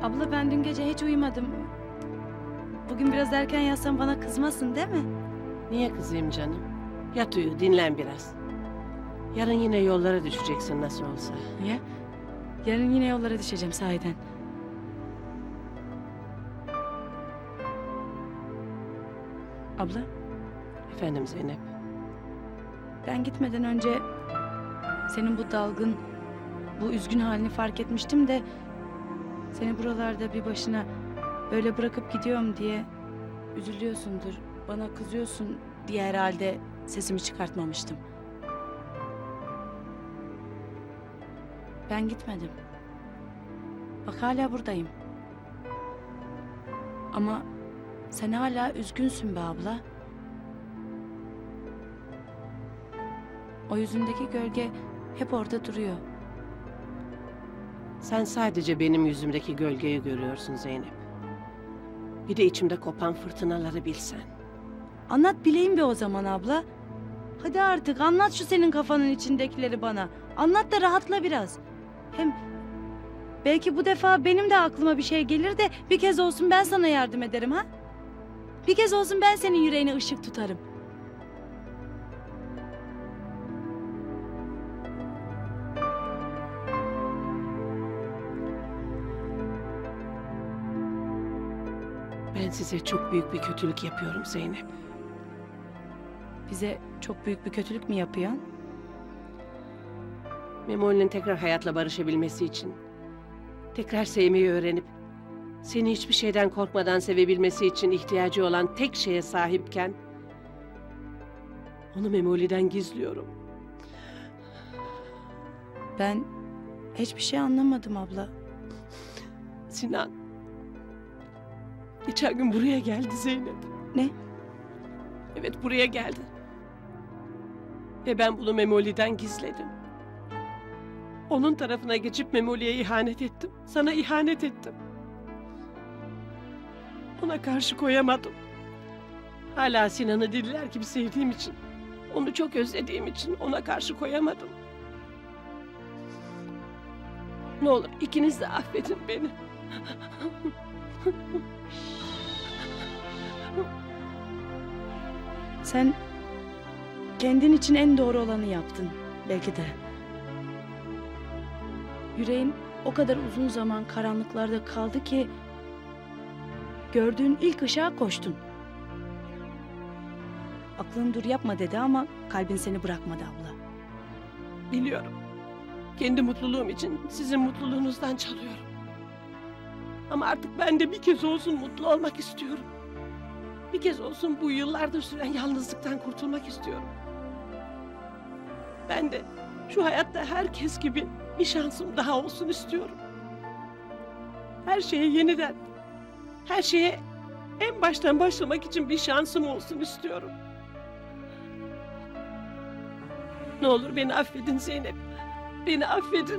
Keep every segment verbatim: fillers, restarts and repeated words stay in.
Abla ben dün gece hiç uyumadım. Bugün biraz erken yatsam bana kızmasın değil mi? Niye kızayım canım? Yat uyu, dinlen biraz. Yarın yine yollara düşeceksin nasıl olsa. Niye? Yarın yine yollara düşeceğim sahiden. Abla Efendim Zeynep. ben gitmeden önce senin bu dalgın, bu üzgün halini fark etmiştim de seni buralarda bir başına böyle bırakıp gidiyorum diye üzülüyorsundur, bana kızıyorsun diye herhalde sesimi çıkartmamıştım. Ben gitmedim. Bak hala buradayım. Ama sen hala üzgünsün be abla. O yüzündeki gölge hep orada duruyor. Sen sadece benim yüzümdeki gölgeyi görüyorsun Zeynep. Bir de içimde kopan fırtınaları bilsen. Anlat bileyim be o zaman abla. Hadi artık anlat şu senin kafanın içindekileri bana. Anlat da rahatla biraz. Hem belki bu defa benim de aklıma bir şey gelir de bir kez olsun ben sana yardım ederim ha? Bir kez olsun ben senin yüreğine ışık tutarım. Ben size çok büyük bir kötülük yapıyorum Zeynep. Bize çok büyük bir kötülük mü yapıyorsun? Memoli'nin tekrar hayatla barışabilmesi için, tekrar sevmeyi öğrenip, seni hiçbir şeyden korkmadan sevebilmesi için ihtiyacı olan tek şeye sahipken, onu Memoli'den gizliyorum. Ben hiçbir şey anlamadım abla. Sinan, geçen gün buraya geldi Zeynep. Ne? Evet, buraya geldi. Ve ben bunu Memoli'den gizledim. Onun tarafına geçip Memoli'ye ihanet ettim. Sana ihanet ettim. Ona karşı koyamadım. Hala Sinan'ı deliler gibi sevdiğim için, onu çok özlediğim için ona karşı koyamadım. Ne olur ikiniz de affedin beni. Sen kendin için en doğru olanı yaptın belki de. Yüreğin o kadar uzun zaman karanlıklarda kaldı ki gördüğün ilk ışığa koştun. Aklın dur yapma dedi ama kalbin seni bırakmadı abla. Biliyorum. Kendi mutluluğum için sizin mutluluğunuzdan çalıyorum. Ama artık ben de bir kez olsun mutlu olmak istiyorum. Bir kez olsun bu yıllardır süren yalnızlıktan kurtulmak istiyorum. Ben de şu hayatta herkes gibi bir şansım daha olsun istiyorum. Her şeye yeniden, her şeye en baştan başlamak için bir şansım olsun istiyorum. Ne olur beni affedin Zeynep. Beni affedin.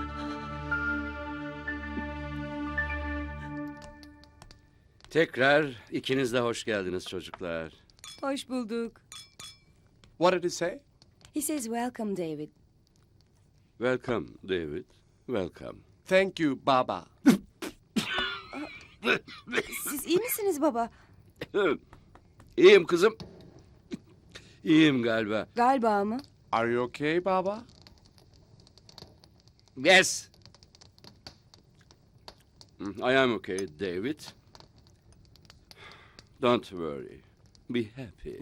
Tekrar ikiniz de hoş geldiniz çocuklar. Hoş bulduk. What did he say? He says welcome David. Welcome David. Welcome. Thank you, Baba. Siz iyi misiniz baba? İyiyim kızım. İyiyim galiba. Galiba mı? Are you okay, Baba? Yes. I am okay David. Don't worry. Be happy.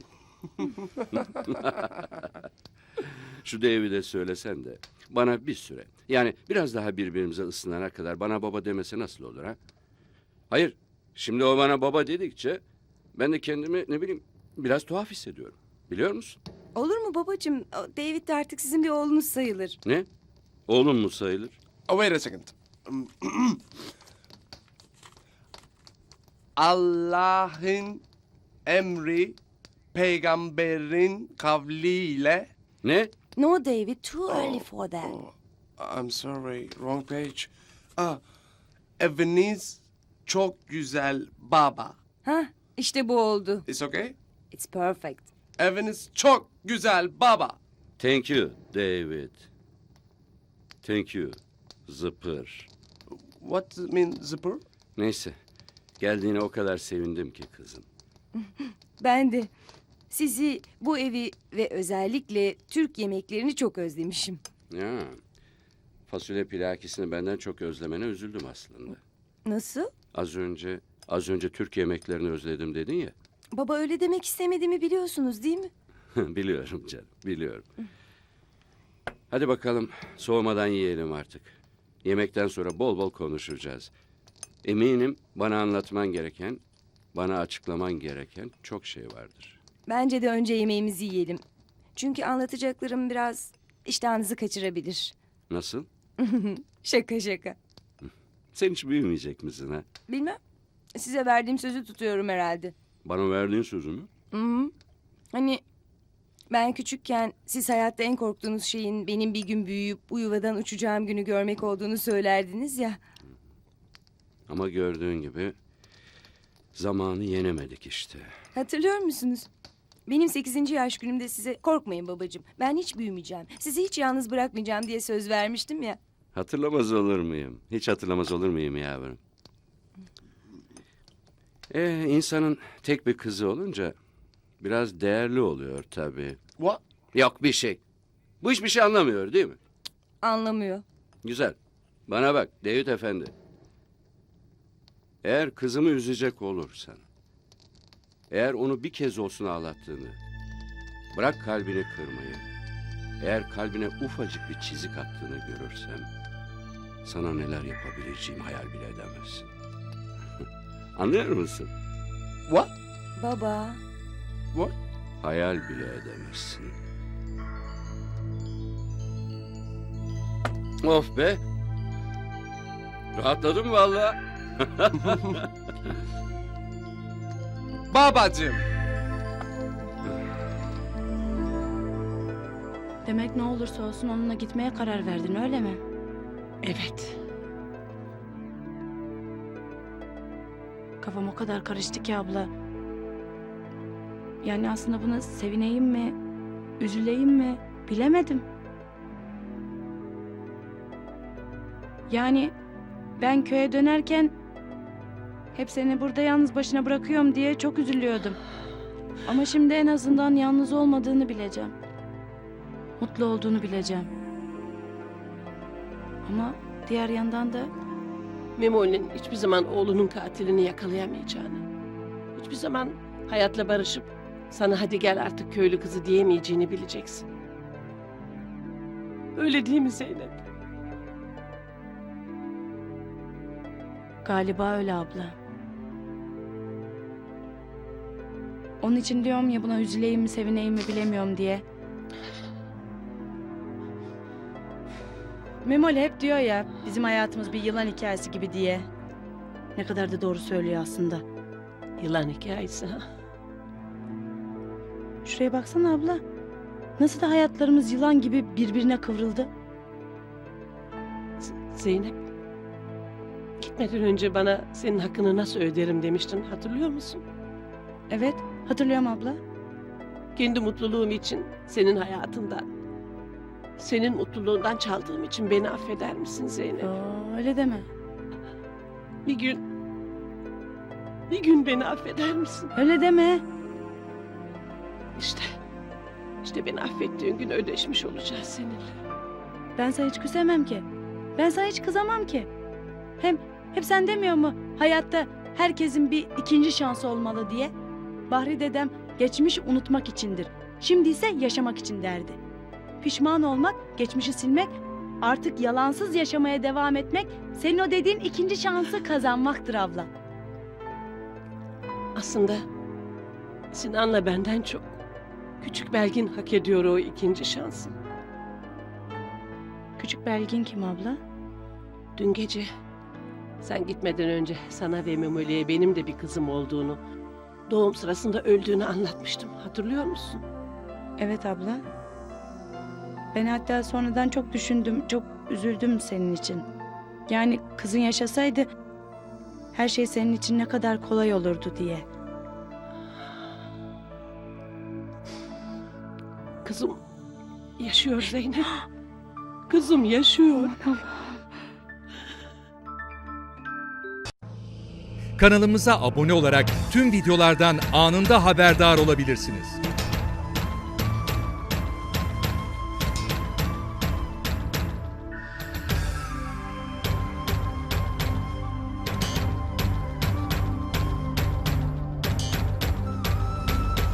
Şu David'e söylesen de bana bir süre, yani biraz daha birbirimize ısınana kadar bana baba demese nasıl olur ha? Hayır, şimdi o bana baba dedikçe ben de kendimi ne bileyim biraz tuhaf hissediyorum. Biliyor musun? Olur mu babacığım? O David de artık sizin bir oğlunuz sayılır. Ne? Oğlum mu sayılır? Oh, wait a second. Allah'ın emri peygamberin kavliyle. Ne? No David, too early for that. Oh, I'm sorry, wrong page. Ah, eviniz çok güzel baba. Ha, işte bu oldu. It's okay? It's perfect. Eviniz çok güzel baba. Thank you David. Thank you. Zıpır. What does it mean, zipper? Neyse. Geldiğine o kadar sevindim ki kızım. Ben de sizi, bu evi ve özellikle Türk yemeklerini çok özlemişim. Ya. Fasulye pilakisini benden çok özlemene üzüldüm aslında. Nasıl? Az önce az önce Türk yemeklerini özledim dedin ya. Baba öyle demek istemediğimi biliyorsunuz değil mi? Biliyorum canım, biliyorum. Hadi bakalım, soğumadan yiyelim artık. Yemekten sonra bol bol konuşacağız. Eminim bana anlatman gereken, bana açıklaman gereken çok şey vardır. Bence de önce yemeğimizi yiyelim. Çünkü anlatacaklarım biraz iştahınızı kaçırabilir. Nasıl? Şaka şaka. Sen hiç büyümeyecek misin ha? Bilmem. Size verdiğim sözü tutuyorum herhalde. Bana verdiğin sözü mü? Hı hı. Hani ben küçükken siz hayatta en korktuğunuz şeyin benim bir gün büyüyüp bu yuvadan uçacağım günü görmek olduğunu söylerdiniz ya. Ama gördüğün gibi zamanı yenemedik işte. Hatırlıyor musunuz? Benim sekizinci yaş günümde size korkmayın babacığım, ben hiç büyümeyeceğim, sizi hiç yalnız bırakmayacağım diye söz vermiştim ya. Hatırlamaz olur muyum? Hiç hatırlamaz olur muyum yavrum? Ee, insanın tek bir kızı olunca biraz değerli oluyor tabii. What? Yok bir şey. Bu hiçbir şey anlamıyor değil mi? Anlamıyor. Güzel. Bana bak David Efendi. Eğer kızımı üzecek olursan, eğer onu bir kez olsun ağlattığını, bırak kalbini kırmayı, eğer kalbine ufacık bir çizik attığını görürsem, sana neler yapabileceğimi hayal bile edemezsin. Anlıyor musun? What? Baba. What? Hayal bile edemezsin. Of be! Rahatladım vallahi. Babacığım. Demek ne olursa olsun onunla gitmeye karar verdin öyle mi? Evet. Kafam o kadar karıştı ki abla. Yani aslında buna sevineyim mi, üzüleyim mi bilemedim. Yani ben köye dönerken hep seni burada yalnız başına bırakıyorum diye çok üzülüyordum. Ama şimdi en azından yalnız olmadığını bileceğim. Mutlu olduğunu bileceğim. Ama diğer yandan da Memoli'nin hiçbir zaman oğlunun katilini yakalayamayacağını, hiçbir zaman hayatla barışıp sana hadi gel artık köylü kızı diyemeyeceğini bileceksin. Öyle değil mi Zeynep? galiba öyle abla. Onun için diyorum ya buna üzüleyim mi sevineyim mi bilemiyorum diye. Memoli hep diyor ya bizim hayatımız bir yılan hikayesi gibi diye. Ne kadar da doğru söylüyor aslında. Yılan hikayesi ha? Şuraya baksana abla. Nasıl da hayatlarımız yılan gibi birbirine kıvrıldı. Z- Zeynep, gitmeden önce bana senin hakkını nasıl öderim demiştin, hatırlıyor musun? Evet hatırlıyorum abla. Kendi mutluluğum için senin hayatından, senin mutluluğundan çaldığım için beni affeder misin Zeynep? Aa, öyle deme. Bir gün, bir gün beni affeder misin? Öyle deme. İşte, işte beni affettiğin gün ödeşmiş olacağız seninle. Ben sana hiç küsemem ki. Ben sana hiç kızamam ki. Hem hep sen demiyor mu hayatta herkesin bir ikinci şansı olmalı diye? Bahri dedem geçmiş unutmak içindir. Şimdi ise yaşamak için derdi. Pişman olmak, geçmişi silmek, artık yalansız yaşamaya devam etmek, senin o dediğin ikinci şansı kazanmaktır abla. Aslında Sinan'la benden çok küçük Belgin hak ediyor o ikinci şansı. Küçük Belgin kim abla? Dün gece sen gitmeden önce sana ve Memoli'ye benim de bir kızım olduğunu, doğum sırasında öldüğünü anlatmıştım. Hatırlıyor musun? Evet abla. Ben hatta sonradan çok düşündüm, çok üzüldüm senin için. Yani kızın yaşasaydı her şey senin için ne kadar kolay olurdu diye. Kızım yaşıyor Zeynep. Kızım yaşıyor. Kanalımıza abone olarak tüm videolardan anında haberdar olabilirsiniz.